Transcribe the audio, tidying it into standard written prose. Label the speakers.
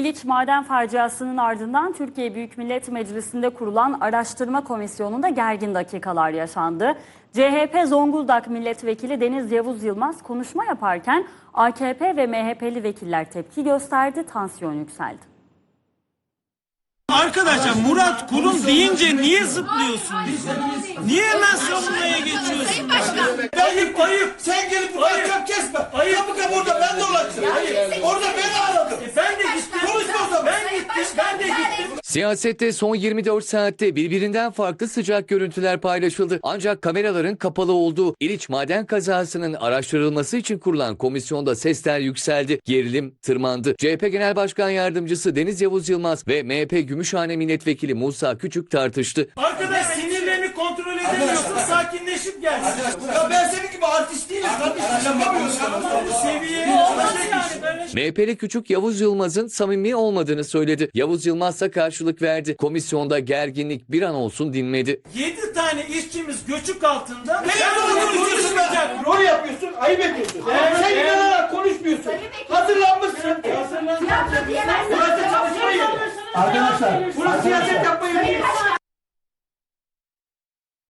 Speaker 1: İliç maden faciasının ardından Türkiye Büyük Millet Meclisi'nde kurulan araştırma komisyonunda gergin dakikalar yaşandı. CHP Zonguldak Milletvekili Deniz Yavuz Yılmaz konuşma yaparken AKP ve MHP'li vekiller tepki gösterdi, tansiyon yükseldi.
Speaker 2: Arkadaşlar Murat Kurum deyince niye zıplıyorsunuz? Niye hemen savunmaya geçiyorsunuz?
Speaker 3: Ayıp. Sen gelip burada ahkam kesme. Kapı orada ben dolaştım. Orada beni aradım.
Speaker 2: Ben de gittim.
Speaker 3: Konuşma.
Speaker 2: Ben de gittim.
Speaker 4: Siyasette son 24 saatte birbirinden farklı sıcak görüntüler paylaşıldı. Ancak kameraların kapalı olduğu İliç maden kazasının araştırılması için kurulan komisyonda sesler yükseldi. Gerilim tırmandı. CHP Genel Başkan Yardımcısı Deniz Yavuz Yılmaz ve MHP Gümüşhane Milletvekili Musa Küçük tartıştı.
Speaker 2: Arkadaş sinirlerini kontrol edemiyorsun, sakinleşip gel.
Speaker 3: Ya ben senin gibi artist değilim. Kardeşim yapamıyorsun.
Speaker 2: Seviyeye olmaz yani böyle.
Speaker 4: MHP'li Küçük Yavuz Yılmaz'ın samimi olmadığını söyledi. Yavuz Yılmaz ise karşılık verdi. Komisyonda gerginlik bir an olsun dinmedi.
Speaker 2: 7 tane işçimiz göçük altında.
Speaker 3: Ne yapıyorsun be? Rol yapıyorsun, ayıp ediyorsun. Sen inanarak konuşmuyorsun. Hazırlanmışsın. Burası çalışma yeri. Arkadaşlar, burası siyaset yapma yeri.